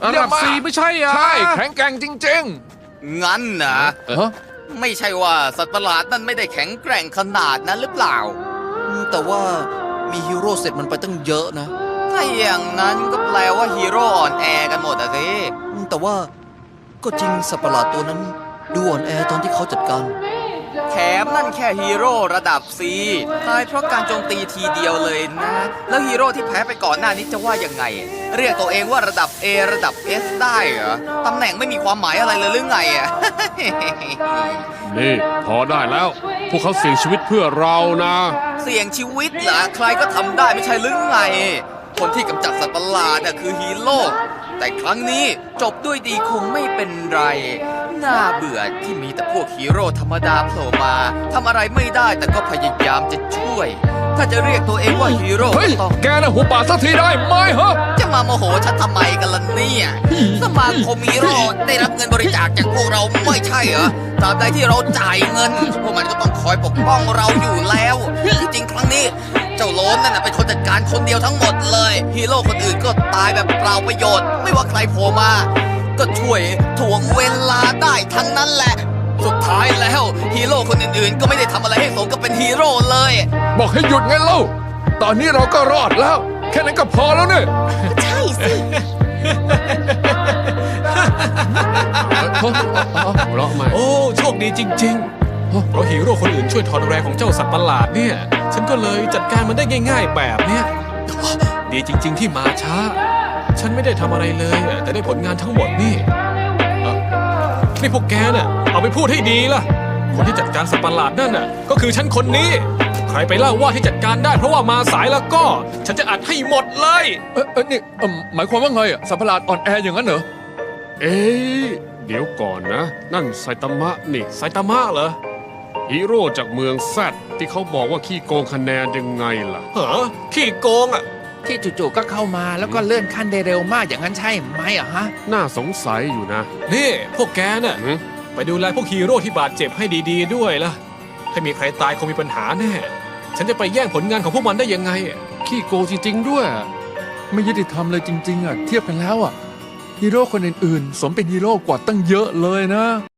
ระดับ4ไม่ใช่อ่ะใช่แข็งแกร่งจริงงั้นนะๆไม่ใช่ว่าสัตว์ประหลาดนั่นไม่ได้แข็งแกร่งขนาดนั้นหรือเปล่าแต่ว่ามีฮีโร่เสร็จมันไปตั้งเยอะนะถ้าอย่างนั้นก็แปลว่าฮีโร่อ่อนแอกันหมดอะสิแต่ว่าก็จริงสัตว์ประหลาดตัวนั้นดูอ่อนแอตอนที่เขาจัดการแถมนั่นแค่ฮีโร่ระดับ C ตายเพราะการโจมตีทีเดียวเลยนะ แล้วฮีโร่ที่แพ้ไปก่อนหน้านี้จะว่ายังไง เรียกตัวเองว่าระดับ A ระดับ S ได้เหรอตำแหน่งไม่มีความหมายอะไรเลยหรือไงอะนี่พอได้แล้ว พวกเขาเสี่ยงชีวิตเพื่อเรานะเสี่ยงชีวิตเหรอใครก็ทำได้ไม่ใช่หรือไง คนที่กำจัดสัตว์ประหลาดน่ะคือฮีโร่แต่ครั้งนี้จบด้วยดีคงไม่เป็นไร น่าเบื่อที่มีแต่พวกฮีโร่ธรรมดาโผล่มาทำอะไรไม่ได้แต่ก็พยายามจะช่วย ถ้าจะเรียกตัวเองว่าฮีโร่เฮ้ยก็ต้องแกน่ะหัวป่าสักทีได้ไหมฮะจะมาโมโหฉันทำไมกันล่ะเนี่ยสมาคมฮีโร่ได้รับเงินบริจาคจากพวกเราไม่ใช่เหรอตราบใดที่เราจ่ายเงินพวกมันก็ต้องคอยปกป้องเราอยู่แล้วที่จริงครั้งนี้เจ้าโลนนั่นเป็นคนจัดการคนเดียวทั้งหมดเลยฮีโร่คนอื่นก็ตายแบบเปล่าประโยชน์ไม่ว่าใครโผล่มาก็ช่วยถ่วงเวลาได้ทั้งนั้นแหละสุดท้ายแล้วฮีโร่คนอื่นๆก็ไม่ได้ทำอะไรให้สมกับเป็นฮีโร่เลยบอกให้หยุดไงเล่าตอนนี้เราก็รอดแล้ว แค่นั้นก็พอแล้วเนี่ยใช่สิหัวเราะไหมโอ้โชคดีจริงๆเพราะฮีโร่คนอื่นช่วยถอนแรงของเจ้าสัตว์ประหลาดเนี่ย ฉันก็เลยจัดการมันได้ง่าย ๆ แบบเนี้ยดีจริง ๆ ที่มาช้า ฉันไม่ได้ทำอะไรเลยแต่ได้ผลงานทั้งหมดนี่นี่พวกแกน่ะเอาไปพูดให้ดีล่ะ คนที่จัดการสัตว์ประหลาดนั่นน่ะก็คือฉันคนนี้ ใครไปเล่าว่าที่จัดการได้เพราะว่ามาสายแล้วก็ ฉันจะอัดให้หมดเลยนี่หมายความว่าไงอ่ะสัตว์ประหลาดอ่อนแออย่างนั้นเหรอเอ๊ะเดี๋ยวก่อนนะ นั่นไซตามะนี่ไซตามะเหรอฮีโร่จากเมืองแซดที่เขาบอกว่าขี้โกงคะแนนยังไงล่ะเหรอขี้โกงอ่ะที่จู่ๆก็เข้ามาแล้วก็เลื่อนขั้นได้เร็วมากอย่างนั้นใช่ไหมอะฮะน่าสงสัยอยู่นะนี่พวกแกน่ะหือไปดูแลพวกฮีโร่ที่บาดเจ็บให้ดีๆด้วยล่ะ ถ้ามีใครตายคงมีปัญหาแน่ ฉันจะไปแย่งผลงานของพวกมันได้ยังไงขี้โกงจริงๆด้วยไม่ยุติธรรมเลยจริงๆอ่ะเทียบกันแล้วอ่ะฮีโร่คนอื่นๆสมเป็นฮีโร่กว่าตั้งเยอะเลยนะ